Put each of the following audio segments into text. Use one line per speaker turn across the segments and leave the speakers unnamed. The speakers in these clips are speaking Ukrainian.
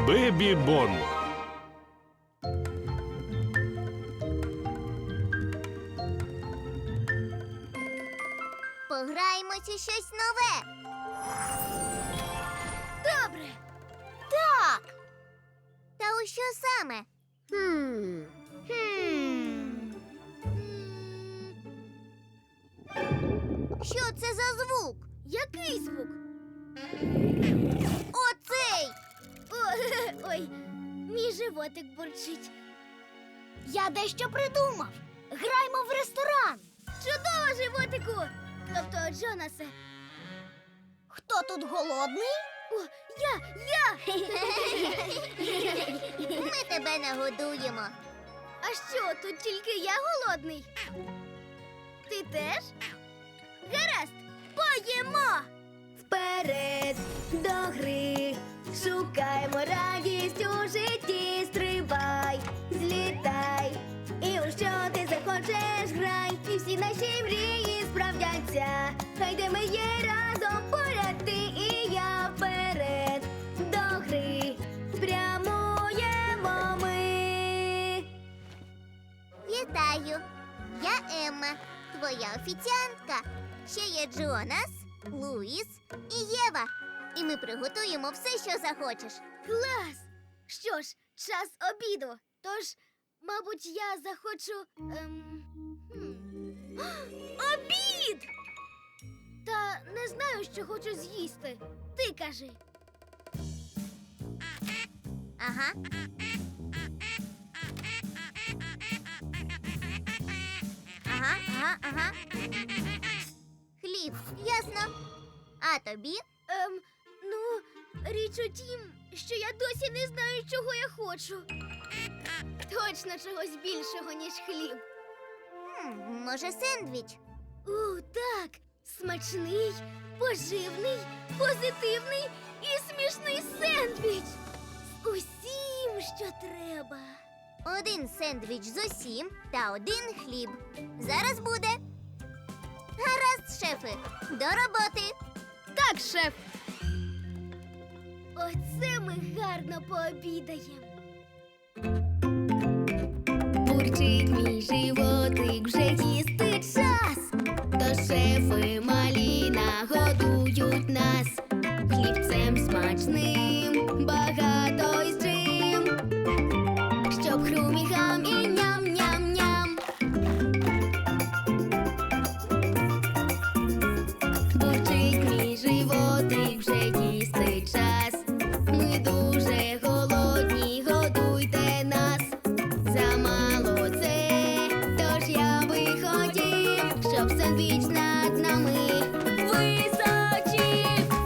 Бебі Бон.
Пограємося щось нове.
Добре.
Так. Та у що саме? Що це за звук?
Який звук?
Оцей!
Ой, мій животик бурчить. Я дещо придумав. Граймо в ресторан. Чудово, животику! Тобто, Джонасе. Хто тут голодний? О, я!
Ми тебе нагодуємо.
А що, тут тільки я голодний? Ти теж? Гаразд, поїмо! Вперед до гри, шукаймо радість у житті, стрибай, злітай, і у що ти захочеш грай, і всі наші мрії справдяться, хай де ми є разом поряд ти і я, вперед до гри, прямуємо ми.
Вітаю! Я Емма, твоя офіціантка. Ще є Джонас, Луїс і Єва. І ми приготуємо все, що захочеш.
Клас! Що ж, час обіду. Тож, мабуть, я захочу. Обід! Та не знаю, що хочу з'їсти. Ти кажи.
Ага. Ага. Хліб, ясно. А тобі?
Ну, річ у тім, що я досі не знаю, чого я хочу. Точно чогось більшого, ніж хліб.
Може, сендвіч?
Так. Смачний, поживний, позитивний і смішний сендвіч. З усім, що треба.
Один сендвіч з усім та один хліб. Зараз буде. Гаразд, шефи, до роботи.
Так, шеф. Оце ми гарно пообідаємо. Бурчить мій животик, вже їсти час. То шефи малі нагодують нас хлібцем смачним, багато із чим, щоб хрумігам і ням-ням-ням. Бурчить мій животик, вже їсти час. Ми дуже голодні, годуйте нас. Замало це, тож я би хотів, щоб сендвіч над нами височив.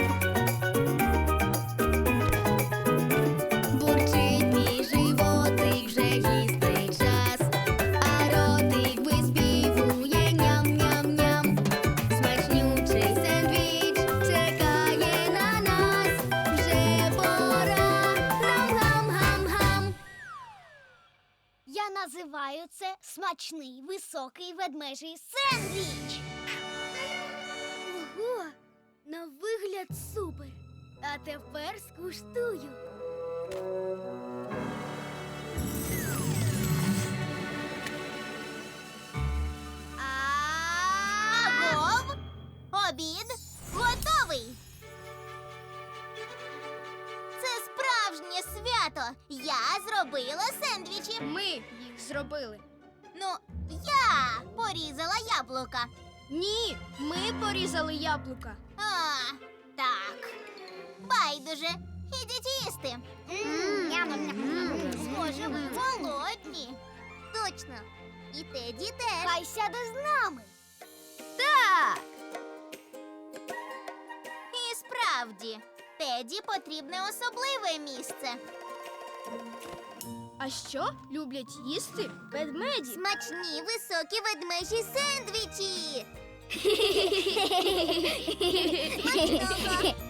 Бурчить мій животик, вже їсти час, а ротик виспівує ням-ням-ням. Смачнючий сендвіч чекає на нас, вже пора нам гам-гам-гам. Я називаю це смачний високий ведмежий сендвіч. Ого, на вигляд супер. А тепер скуштую.
Агов! Обід готовий! Це справжнє свято! Я зробила сендвічі!
Ми їх зробили.
Ну, я порізала яблука.
Ні, ми порізали яблука.
А, так. Байдуже. Ідіть їсти. Схоже, ви голодні. Точно. І Теді теж.
Хай сяде з нами. Так.
І справді, Теді потрібне особливе місце.
А що люблять їсти ведмеді?
Смачні високі ведмежі сендвічі. Смачного.